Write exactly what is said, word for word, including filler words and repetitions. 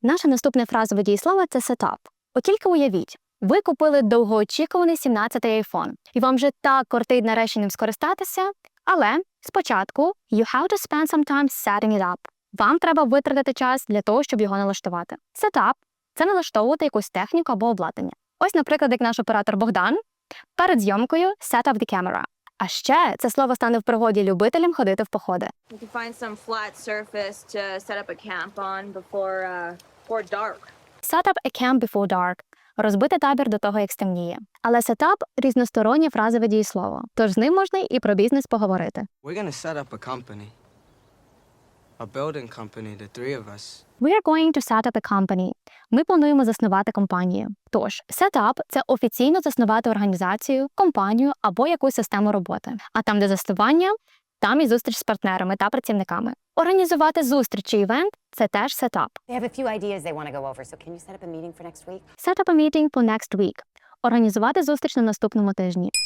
Наше наступне фразове дієслово – це set up. От тільки уявіть, ви купили довгоочікуваний сімнадцятий айфон, і вам вже так кортить нарешті ним скористатися, але спочатку you have to spend some time setting it up. Вам треба витратити час для того, щоб його налаштувати. Set up – це налаштовувати якусь техніку або обладнання. Ось, наприклад, як наш оператор Богдан перед зйомкою set up the camera. А ще це слово стане в пригоді любителям ходити в походи. You can find some flat surface to set up a camp on before, uh, before dark. Set up a camp before dark – розбити табір до того, як стемніє. Але set up – різностороннє фразове дієслово, тож з ним можна і про бізнес поговорити. We're gonna set up a company. A building company, the three of us. We are going to set up a company. Ми плануємо заснувати компанію. Тож, set up – це офіційно заснувати організацію, компанію або якусь систему роботи. А там, де заснування, там і зустріч з партнерами та працівниками. Організувати зустріч чи івент – це теж set up. They have a few ideas they want to go over, so can you set up a meeting for next week? Set up a meeting for next week. Організувати зустріч на наступному тижні.